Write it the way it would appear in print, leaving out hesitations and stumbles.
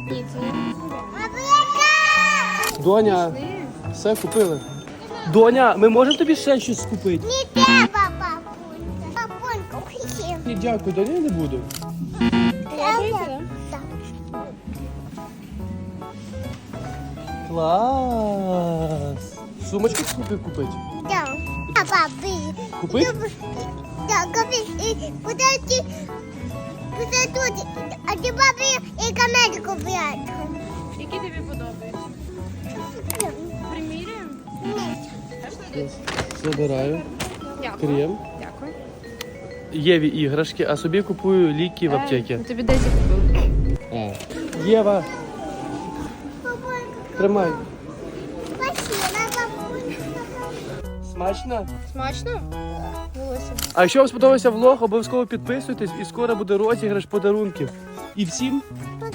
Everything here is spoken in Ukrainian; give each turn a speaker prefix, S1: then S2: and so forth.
S1: Ні, це не
S2: Доня, все купили. Доня, ми можемо тобі ще щось купити?
S3: Не треба, папунька. Папунька, хотів.
S2: Ні, дякую, Доня, я не буду.
S1: подобається,
S3: Так.
S2: Клас. Сумочку купити?
S3: Так. А папі.
S2: Купити?
S3: Так, купи. Подожди. Подожди. А ти папі і камерку брати.
S1: Які тобі подобаються? Приміряємо?
S3: Ні.
S2: Забираю.
S1: Дякую.
S2: Крем.
S1: Дякую.
S2: Єві іграшки, а собі купую ліки в аптеці.
S1: Тобі десь купили.
S2: Єва,
S3: Папунька,
S2: тримай.
S3: спасибо, папунька.
S2: Смачно?
S1: Смачно? Волосся.
S2: А якщо вам сподобався влог, обов'язково підписуйтесь і скоро буде розіграш подарунків. І всім